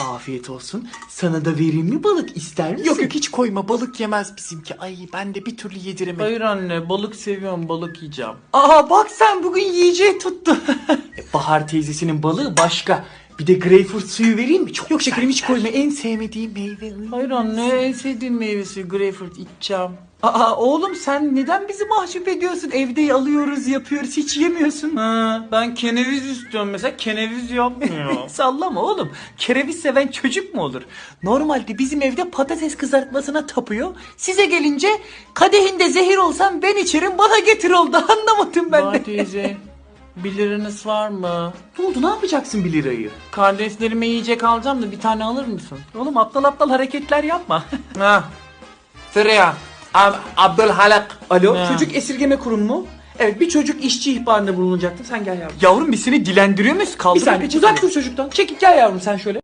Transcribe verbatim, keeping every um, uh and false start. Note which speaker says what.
Speaker 1: Afiyet olsun. Sana da vereyim mi balık, ister misin?
Speaker 2: Yok yok hiç koyma, balık yemez bizimki. Ay ben de bir türlü yediremedim.
Speaker 1: Hayır anne, balık seviyorum, balık yiyeceğim. Aa bak sen bugün yiyeceği tuttu. E, Bahar teyzesinin balığı başka. Bir de greyfurt suyu vereyim mi? Çok
Speaker 2: Yok şekerim hiç
Speaker 1: sert.
Speaker 2: koyma, en sevmediğim meyve.
Speaker 1: Hayır anne, en sevdiğim meyvesi greyfurt, içeceğim. Aa oğlum sen neden bizi mahcup ediyorsun? Evde alıyoruz, yapıyoruz, hiç yemiyorsun. Ha, ben keneviz istiyorum mesela, keneviz yapmıyor. Sallama oğlum. Kereviz seven çocuk mu olur? Normalde bizim evde patates kızartmasına tapıyor. Size gelince kadehinde zehir olsam ben içerim, bana getir oldu. Anlamadım ben de. teyze. Bir liranız var mı? Ne oldu, ne yapacaksın bir lirayı? Kardeşlerime yiyecek alacağım da bir tane alır mısın? Oğlum aptal aptal hareketler yapma.
Speaker 2: Ha. Sıraya. Ab Abdülhalak.
Speaker 1: Alo,
Speaker 2: Ha.
Speaker 1: çocuk esirgeme kurumu mu? Evet, bir çocuk işçi ihbarında bulunacaktı. Sen gel yavrum. Yavrum biz seni dilendiriyor muyuz? Kaldır
Speaker 2: Bir saniye,
Speaker 1: uzak dur çocuktan. Çekil gel yavrum sen şöyle.